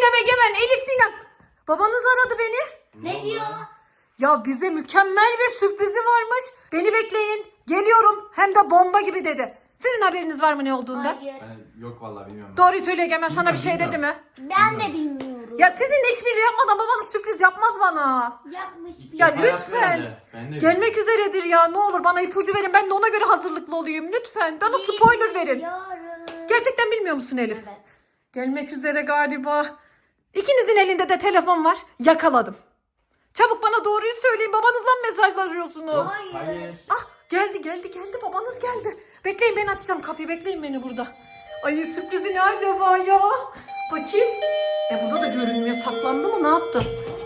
Sinem, Egemen, Elif, Sinem. Babanız aradı beni. Ne diyor? Ya bize mükemmel bir sürprizi varmış. Beni bekleyin. Geliyorum. Hem de bomba gibi dedi. Sizin haberiniz var mı ne olduğunda? Hayır. Yok vallahi bilmiyorum. Doğruyu söyle Egemen, sana bir şey Bilmiyorum, dedi mi? Ben de bilmiyorum. Ya sizin işbirliği yapmadan babanız sürpriz yapmaz bana. Yapmış bir. Ya Hayat lütfen. böyle. Ben de Gelmek üzeredir ya. Ne olur bana ipucu verin. Ben de ona göre hazırlıklı olayım. Lütfen. Bana spoiler verin. Bilmiyorum. Gerçekten bilmiyor musun Elif? Evet. Gelmek üzere galiba. İkinizin elinde de telefon var. Yakaladım. Çabuk bana doğruyu söyleyin. Babanızla mı mesajlaşıyorsunuz? Hayır. Ah, geldi. Babanız geldi. Bekleyin, ben açacağım kapıyı. Bekleyin beni burada. Ay, sürprizi ne acaba ya? Bakayım. Burada da görünmüyor. Saklandı mı? Ne yaptı?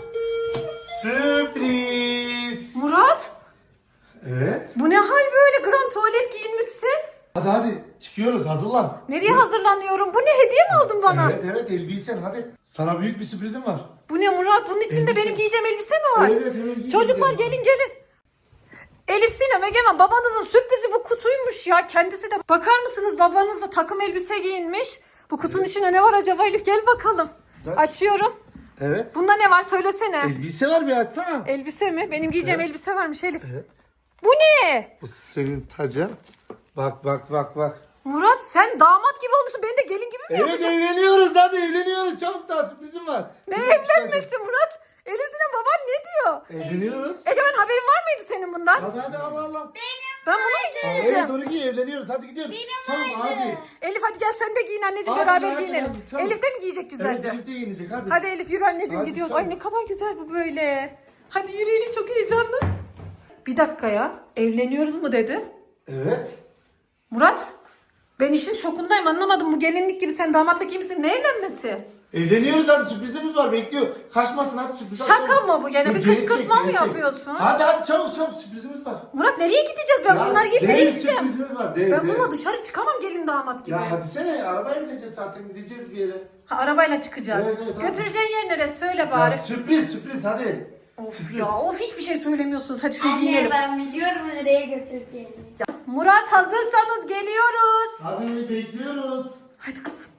Sürpriz. Murat, Evet. bu ne hal böyle? Grand tuvalet giyinmişsin. Hadi çıkıyoruz, hazırlan. Nereye hazırlanıyorum? Bu ne, hediye mi aldın bana? Evet elbisen hadi. Sana büyük bir sürprizim var. Bu ne Murat? Bunun içinde Elbise. benim giyeceğim elbise mi var? Evet, giy, Çocuklar giy. gelin. Elif, Sinem, Egemen, babanızın sürprizi bu kutuymuş ya. Kendisi de, bakar mısınız, babanız da takım elbise giyinmiş. Bu kutunun içinde ne var acaba Elif? Gel bakalım. Aç. Açıyorum. Evet. Bunda ne var söylesene. Elbise var, bir açsana. Elbise mi? Benim giyeceğim Evet. elbise varmış Elif. Evet. Bu ne? Bu senin tacın. Bak. Murat, sen damat gibi olmuşsun. Ben de gelin gibi mi Evet yapacağım? evleniyoruz, hadi evleniyoruz. Çabuk, daha sürprizim var. Ne evlenmesi Murat? Elif, Sinem, baban ne diyor? Evleniyoruz. Egemen, haberin var mıydı senin bundan? Hadi Allah. Ben bunu mu giyeceğim? Evet onu giy, evleniyoruz. Hadi gidiyoruz. Çabuk hadi. Elif hadi gel sen de giyin anneciğim, Hadi, beraber hadi, giyinelim. hadi, çabuk. Elif de mi giyecek Evet güzelce? birlikte giyinecek hadi. Hadi Elif yürü anneciğim, Hadi, gidiyoruz. çabuk. Ay ne kadar güzel bu böyle. Hadi yürü Elif, çok heyecanlı. Bir dakika ya, evleniyoruz mu dedi. Evet. Murat, ben işin şokundayım, anlamadım. Bu gelinlik gibi, sen damatlık gibi misin? Ne evlenmesi? Evleniyoruz, hadi sürprizimiz var, bekliyor. Kaçmasın hadi, sürpriz. Şaka mı bu? Gene bir Gerçek, kışkırtma mı gerçek. yapıyorsun? Hadi çabuk sürprizimiz var. Murat, nereye gideceğiz? Ben bunlar gibi nereye değil, gideceğim? sürprizimiz var. Değil, Ben değil. bununla dışarı çıkamam gelin damat gibi. Ya hadi sene, arabaya bineceğiz zaten, gideceğiz bir yere. Ha, arabayla çıkacağız. Evet, hadi. Götüreceğin yer neresi? Söyle bari. Ya, sürpriz hadi. Of Sürpriz. ya, of, hiçbir şey söylemiyorsunuz. Hadi şöyle Anne giyinelim. ben biliyorum nereye götüreceğini. Murat, hazırsanız geliyoruz. Hadi bekliyoruz. Hadi kızım.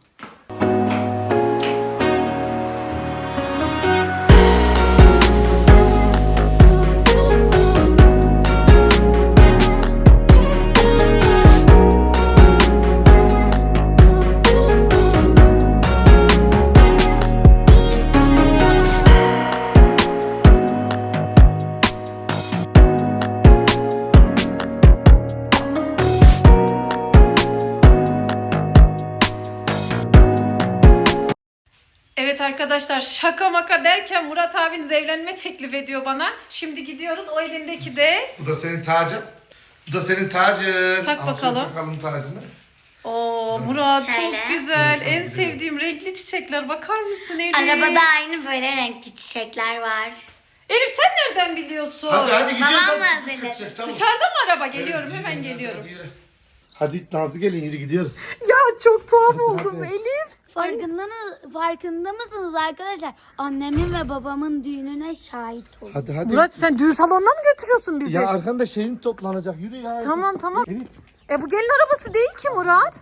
Evet arkadaşlar, şaka maka derken Murat abiniz evlenme teklif ediyor bana. Şimdi gidiyoruz, o elindeki de. Bu da senin tacın. Bu da senin tacın. Tak Al bakalım. şöyle takalım tacını. Oo Murat, Şöyle. çok güzel. Evet, En çok sevdiğim renkli çiçekler. Bakar mısın Elif? Arabada aynı böyle renkli çiçekler var. Elif, sen nereden biliyorsun? Hadi gidiyoruz. Babam hadi, hazırladı. kaçacak, çabuk. Dışarıda mı araba? Geliyorum, Evet, hemen hadi, geliyorum. hadi, yürü. Hadi Nazlı gelin, yürü gidiyoruz. Ya çok tuhaf Hadi, oldum hadi. Elif. Farkında mısınız arkadaşlar? Annemin ve babamın düğününe şahit olun. Hadi. Murat, sen düğün salonuna mı götürüyorsun bizi? Ya arkanda şeyin toplanacak, yürü ya. Tamam. Elif. Bu gelin arabası değil ki Murat.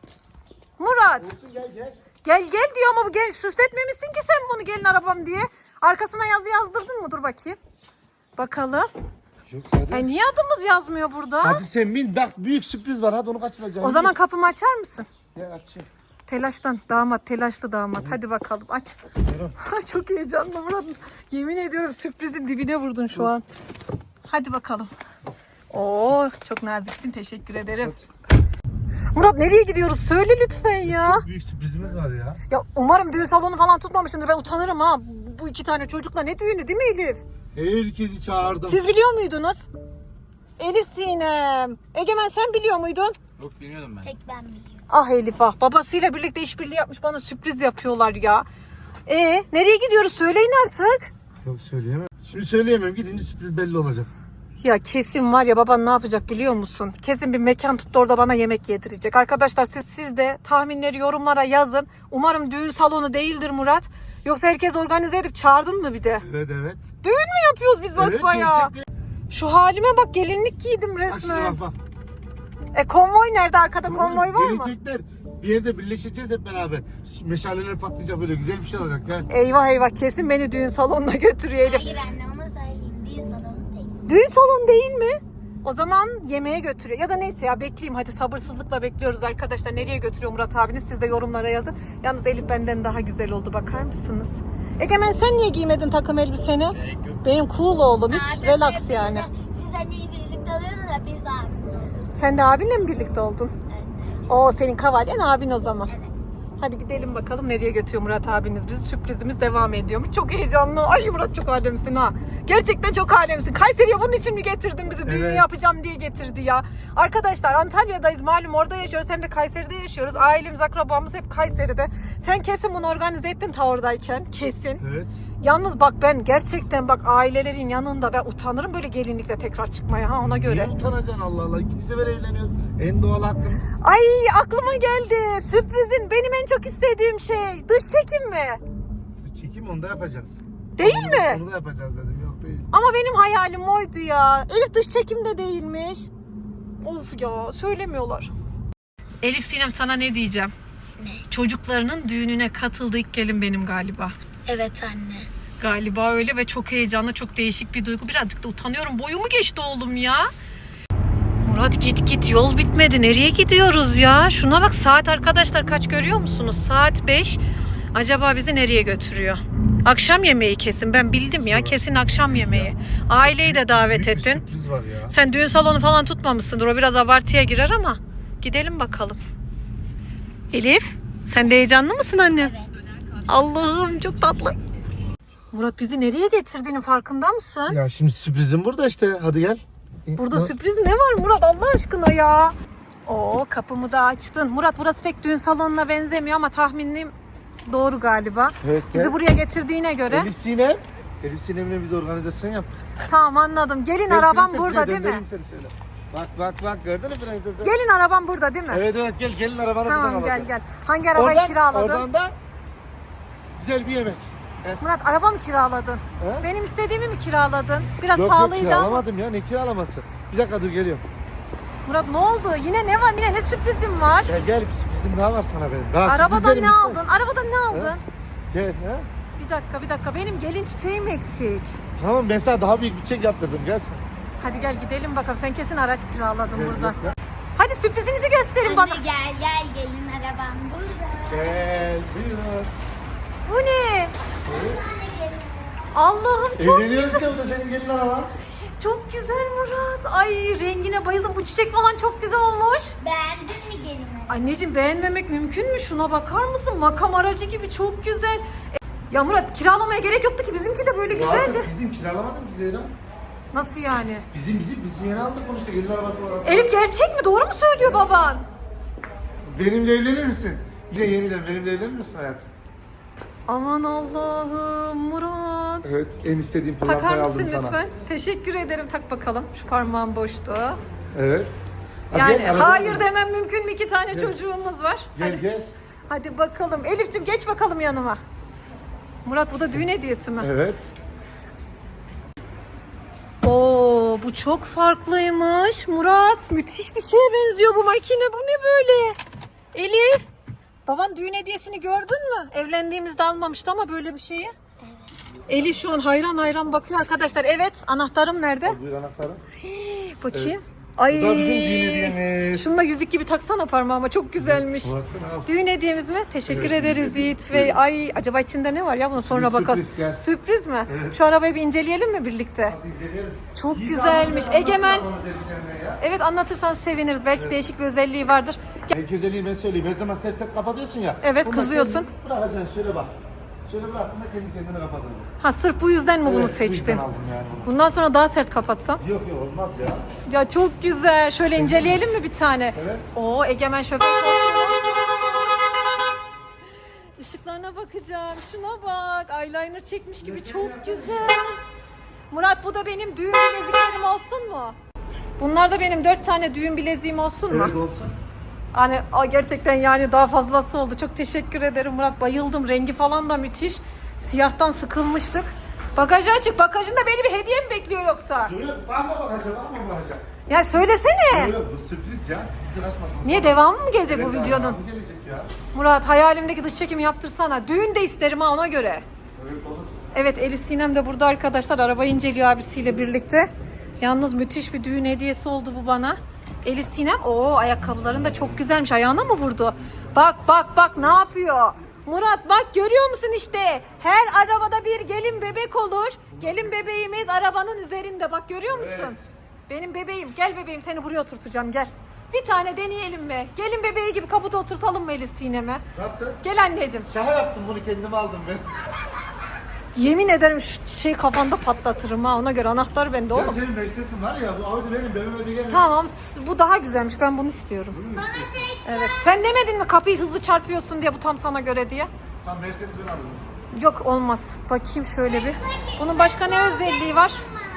Murat. Gel. Gel diyor ama bu gel, süsletmemişsin ki sen bunu gelin arabam diye. Arkasına yazı yazdırdın mı? Dur bakayım. Bakalım. Yok hadi. Niye adımız yazmıyor burada? Hadi sen bin, bak büyük sürpriz var, hadi onu kaçıracağım. O zaman kapımı açar mısın? Ya açayım. Telaşlı damat. Hadi bakalım, aç. Yürü. Çok heyecanlı Murat. Yemin ediyorum sürprizin dibine vurdun şu an. Hadi bakalım. Oo, çok naziksin, teşekkür ederim. Murat, nereye gidiyoruz? Söyle lütfen ya. Çok büyük sürprizimiz var ya. Ya umarım düğün salonu falan tutmamışsındır. Ben utanırım ha. Bu iki tane çocukla ne düğünü, değil mi Elif? Herkesi çağırdım. Siz biliyor muydunuz? Elif, Sinem. Egemen, sen biliyor muydun? Yok bilmiyordum ben. Tek ben biliyorum. Ah Elif ah. Babasıyla birlikte işbirliği yapmış, bana sürpriz yapıyorlar ya. Nereye gidiyoruz? Söyleyin artık. Yok söyleyemem. Şimdi söyleyemem, gidince sürpriz belli olacak. Ya kesin var ya, baban ne yapacak biliyor musun? Kesin bir mekan tuttu, orada bana yemek yedirecek. Arkadaşlar siz de tahminleri yorumlara yazın. Umarım düğün salonu değildir Murat. Yoksa herkes organize edip çağırdın mı bir de? Evet. Düğün mü yapıyoruz biz basbayağı? gerçekten. Şu halime bak, gelinlik giydim Bak şimdi resmen. bak. Konvoy nerede? Arkada konvoy var mı? Gelecekler. Bir yerde birleşeceğiz hep beraber. Meşaleler patlayacak, böyle güzel bir şey olacak. Gel. Eyvah eyvah, kesin beni düğün salonuna götürüyor Elif. Hayır anne, onu söyleyeyim. Düğün salonu değil. Düğün salonu değil mi? O zaman yemeğe götürüyor. Ya da neyse ya, bekleyeyim hadi, sabırsızlıkla bekliyoruz arkadaşlar. Nereye götürüyor Murat abiniz? Siz de yorumlara yazın. Yalnız Elif benden daha güzel oldu, bakar mısınız? Egemen sen niye giymedin takım elbiseni? Benim cool oğlum, hiç Abi, relax yani. Siz hani birlikte oluyorsunuz da biz abimle oluyoruz. Sen de abinle mi birlikte oldun? Evet. O senin kavalyen abin o zaman. Evet. Hadi gidelim bakalım nereye götürüyor Murat abiniz bizi. Sürprizimiz devam ediyormuş. Çok heyecanlı. Ay Murat, çok alemsin ha. Gerçekten çok alemsin. Kayseri'ye bunun için mi getirdin bizi? Düğün Evet. yapacağım diye getirdi ya. Arkadaşlar Antalya'dayız malum, orada yaşıyoruz. Hem de Kayseri'de yaşıyoruz. Ailemiz, akrabamız hep Kayseri'de. Sen kesin bunu organize ettin ta oradayken. Kesin. Evet. Yalnız bak, ben gerçekten bak, ailelerin yanında ben utanırım böyle gelinlikle tekrar çıkmaya, ha, ona göre. Niye utanacaksın Allah Allah? İkinci sefer evleniyoruz. En doğal hakkımız. Ay aklıma geldi. Sürprizin benim en çok istediğim şey. Dış çekim mi? Çekim onu da yapacağız. Değil Onu- mi? Onu da yapacağız dedim. Yok değil. Ama benim hayalim oydu ya. Elif dış çekimde değilmiş. Of ya, söylemiyorlar. Elif Sinem, sana ne diyeceğim? Çocuklarının düğününe katıldı ilk gelin benim galiba. Evet anne. Galiba öyle ve çok heyecanlı, çok değişik bir duygu. Birazcık da utanıyorum. Boyumu geçti oğlum ya. Murat git yol bitmedi. Nereye gidiyoruz ya? Şuna bak, saat arkadaşlar kaç görüyor musunuz? Saat 5. Acaba bizi nereye götürüyor? Akşam yemeği kesin. Ben bildim ya, kesin akşam yemeği. Aileyi de davet Büyük bir ettin. sürpriz var ya. Sen düğün salonu falan tutmamışsındır. O biraz abartıya girer ama gidelim bakalım. Elif, sen de heyecanlı mısın annem? Evet. Allah'ım çok tatlı. Murat, bizi nereye getirdiğinin farkında mısın? Ya şimdi sürprizim burada işte. Hadi gel. Burada sürpriz ne var Murat Allah aşkına ya? Oo, kapımı da açtın. Murat, burası pek düğün salonuna benzemiyor ama tahminim doğru galiba. Evet, Bizi evet. buraya getirdiğine göre. Elif Sinem. Elif Sinem'le biz organizasyon yaptık. Tamam, anladım. Gelin Gel, arabam prenses, burada gel, değil mi? göndereyim seni şöyle. Bak gördün mü prensesi? Gelin arabam burada değil mi? Evet gel, gelin arabanı buradan Tamam, alacağız. gel. Hangi arabayı kiraladın? Oradan da güzel bir yemek. Murat, araba mı kiraladın? He? Benim istediğimi mi kiraladın? Biraz Yok pahalıydı ama. kiralamadım ya, ne kiralaması. Bir dakika dur, geliyorum. Murat ne oldu? Yine ne var? Yine ne sürprizim var? Gel bir sürprizim daha var sana benim. Daha Arabadan sürprizlerim ne bitmez. aldın? Arabadan ne aldın? Gel ha. Bir dakika. Benim gelin çiçeğim eksik. Tamam, ben sana daha büyük bir çek yaptırdım, gel sen. Hadi gel gidelim bakalım. Sen kesin araç kiraladın Gel, burada. gel. Hadi sürprizinizi gösterin bana. Anne gel gelin arabam burada. Gel buyur. Bu ne? Anne gelin. Allah'ım çok Evleniyoruz ya, bu da senin gelin araban. çok güzel Murat. Ay rengine bayıldım. Bu çiçek falan çok güzel olmuş. Beğendin mi gelin arabamı? Anneciğim, beğenmemek mümkün mü? Şuna bakar mısın? Makam aracı gibi çok güzel. Ya Murat, kiralamaya gerek yoktu ki. Bizimki de böyle güzeldi. Artık bizim kiralamadım ki Zeyra. Nasıl yani? Biz yeni aldık onu işte, gelin arabası var. Elif gerçek mi? Doğru mu söylüyor baban? Benimle evlenir misin? Bir de yeniden benimle evlenir misin hayatım? Aman Allah'ım Murat. Evet, en istediğim Takar pırlantayı mısın aldım sana. lütfen? Teşekkür ederim. Tak bakalım. Şu parmağım boştu. Evet. Hadi Yani gel, arabaya hayır bin. demem mümkün mü? 2 tane çocuğumuz var. Gel gel. Hadi bakalım. Elif'ciğim geç bakalım yanıma. Murat, bu da düğün hediyesi mi? Evet. Oo, bu çok farklıymış. Murat, müthiş bir şeye benziyor bu makine. Bu ne böyle? Elif, baban düğün hediyesini gördün mü? Evlendiğimizde almamıştı ama böyle bir şeyi. Elif şu an hayran bakıyor arkadaşlar. Evet, anahtarım nerede? Buyur anahtarım. Bakayım. Evet. Ay. Bu da bizim düğün hediyemiz. Şunu da yüzük gibi taksana parmağıma. Çok güzelmiş. Baksana al. Düğün hediyemiz mi? Teşekkür Evet, ederiz düğün Yiğit hediyesi. Bey. Ay, acaba içinde ne var ya? Buna sonra Sürpriz, bakalım. gel. Sürpriz mi? Evet. Şu arabayı bir inceleyelim mi birlikte? Hadi inceleyelim. Çok İyi güzelmiş. anlatın, Egemen. anlatın bana özelliklerini ya. Evet, anlatırsan seviniriz. Belki değişik bir özelliği vardır. Belki özelliği ben söyleyeyim. Her zaman set kapatıyorsun ya. Evet, Bunu kızıyorsun. kendin Bırakacaksın, şöyle bak. Şöyle bıraktığında kendi kendine kapatır bu. Ha, sırf bu yüzden mi bunu Evet, bu yüzden seçtin? aldım yani bunu. Bundan sonra daha sert kapatsam. Yok olmaz ya. Ya çok güzel. Şöyle inceleyelim mi bir tane? Evet. Oo, Egemen şoför koltuğu. Işıklarına bakacağım. Şuna bak. Eyeliner çekmiş gibi çok güzel. Murat, bu da benim düğün bileziklerim olsun mu? Bunlar da benim 4 tane düğün bileziğim olsun mu? Evet olsun. Hani gerçekten yani daha fazlası oldu. Çok teşekkür ederim Murat. Bayıldım. Rengi falan da müthiş. Siyahtan sıkılmıştık. Bagajı açık. Bagajında beni bir hediye mi bekliyor yoksa? Yok bakma bakacağım. Ya söylesene. Yok bu sürpriz ya. Sürprizin açmasın. Niye devamı mı gelecek bu Evet, videonun? devamı gelecek ya. Murat hayalimdeki dış çekim yaptırsana. Düğün de isterim ha ona göre. Evet olur. Evet Elif Sinem de burada arkadaşlar. Arabayı inceliyor abisiyle birlikte. Yalnız müthiş bir düğün hediyesi oldu bu bana. Elif Sinem ayakkabıların da çok güzelmiş. Ayağına mı vurdu? Bak ne yapıyor? Murat bak görüyor musun işte? Her arabada bir gelin bebek olur. Gelin bebeğimiz arabanın üzerinde. Bak görüyor musun? Evet. Benim bebeğim. Gel bebeğim seni buraya oturtacağım gel. Bir tane deneyelim mi? Gelin bebeği gibi kaputa oturtalım mı Elif Sinem'e? Nasıl? Gel anneciğim. Şaka yaptım bunu kendim aldım ben. Yemin ederim şu kafanda patlatırım ha. Ona göre anahtar bende Ya oğlum. senin Mercedes'in var ya bu Audi benim ödeyemem. Tamam bu daha güzelmiş. Ben bunu istiyorum. Evet. Sen demedin mi kapıyı hızlı çarpıyorsun diye bu tam sana göre diye? Tam Mercedes'i ben aldım. Yok olmaz. Bakayım şöyle bir. Bunun başka ne özelliği var?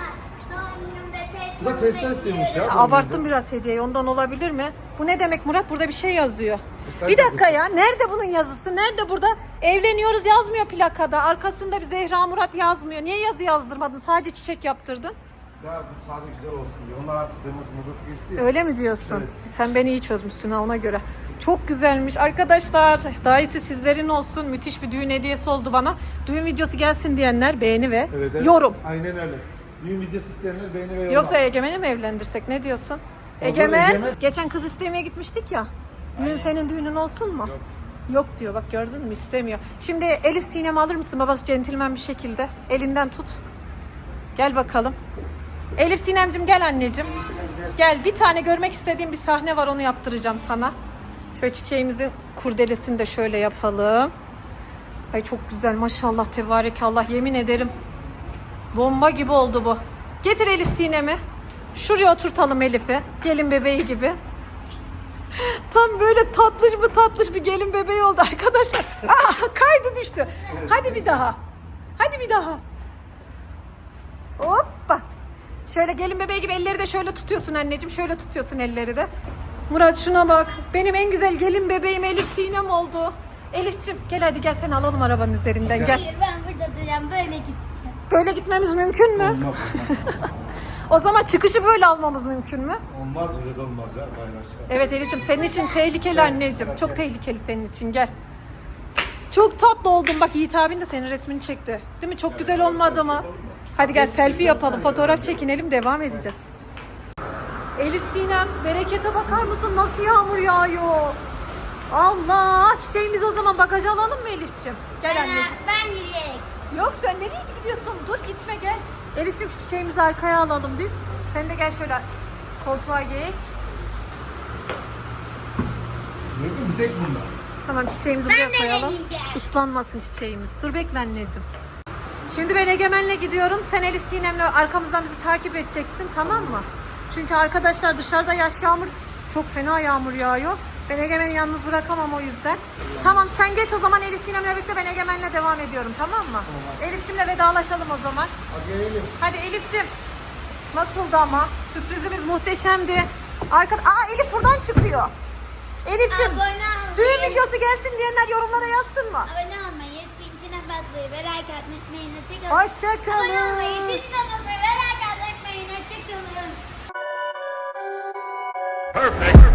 Bu da Tesla istemiş ya. Abarttım biraz hediyeyi. Ondan olabilir mi? Bu ne demek Murat? Burada bir şey yazıyor. Tesla Bir dakika ya. Nerede bunun yazısı? Nerede burada? Evleniyoruz yazmıyor plakada. Arkasında bir Zehra Murat yazmıyor. Niye yazı yazdırmadın? Sadece çiçek yaptırdın. Ya bu sade güzel olsun diye. Onlar artık modası geçti ya. Öyle mi diyorsun? Evet. Sen beni iyi çözmüşsün ha ona göre. Çok güzelmiş arkadaşlar. Daha iyisi sizlerin olsun. Müthiş bir düğün hediyesi oldu bana. Düğün videosu gelsin diyenler beğeni ve Evet. yorum. Aynen öyle. Düğün videosu isteyenler beğeni ve yorum. Yoksa Egemen'i mi evlendirsek? Ne diyorsun? Egemen. Egemen. Geçen kız istemeye gitmiştik ya. Düğün senin düğünün olsun mu? Yok diyor bak gördün mü istemiyor. Şimdi Elif Sinem alır mısın babası centilmen bir şekilde? Elinden tut. Gel bakalım. Elif Sinemcim gel anneciğim. Gel bir tane görmek istediğim bir sahne var onu yaptıracağım sana. Şöyle çiçeğimizin kurdelesini de şöyle yapalım. Ay çok güzel maşallah tebarekallah yemin ederim. Bomba gibi oldu bu. Getir Elif Sinem'i. Şuraya oturtalım Elif'i. Gelin bebeği gibi. Tam böyle tatlış bir gelin bebeği oldu arkadaşlar. Kaydı düştü. Hadi bir daha. Hadi bir daha. Hoppa. Şöyle gelin bebeği gibi elleri de şöyle tutuyorsun anneciğim. Şöyle tutuyorsun elleri de. Murat şuna bak. Benim en güzel gelin bebeğim Elif Sinem oldu. Elif'ciğim gel hadi gel seni alalım arabanın üzerinden gel. Hayır ben burada duracağım böyle gideceğim. Böyle gitmemiz mümkün mü? Olmaz. O zaman çıkışı böyle almamız mümkün mü? Olmaz öyle de olmaz ya. Bayraşlar. Evet Elif'ciğim senin için tehlikeli anneciğim. Çok tehlikeli senin için gel. Çok tatlı oldun. Bak Yiğit abin de senin resmini çekti. Değil mi? Çok güzel olmadı mı? Hadi gel selfie yapalım. Fotoğraf çekinelim. Devam edeceğiz. Elif Sinem berekete bakar mısın? Nasıl yağmur yağıyor? Allah! Çiçeğimizi o zaman bagaja alalım mı Elif'ciğim? Gel anneciğim. Ben yürüyerek. Yok sen nereye gidiyorsun? Dur gitme gel. Elif'ciğim şu çiçeğimizi arkaya alalım biz. Sen de gel şöyle koltuğa geç. Ne bir tek bunlar. Tamam çiçeğimizi Ben buraya de koyalım. deneyeceğim. Islanmasın çiçeğimiz. Dur bekle anneciğim. Şimdi ben Egemen'le gidiyorum. Sen Elif Sinem'le arkamızdan bizi takip edeceksin tamam mı? Çünkü arkadaşlar dışarıda yağmur çok fena yağmur yağıyor. Ben Egemen'i yalnız bırakamam o yüzden. Tamam sen geç o zaman Elif Sinem'le birlikte ben Egemen'le devam ediyorum tamam mı? Elif'cimle vedalaşalım o zaman. Hadi gelelim. Hadi Elif'cim. Nasıldı ama? Sürprizimiz muhteşemdi. Elif buradan çıkıyor. Elif'cim Abone olmayı. düğün videosu gelsin diyenler yorumlara yazsın mı? Abone olmayı, zincirine basmayı ve like atmayı unutmayın. Hoşçakalın. Abone olmayı, Hoşçakalın. zincirine basmayı ve like atmayı unutmayın. Hoşçakalın. Perfect.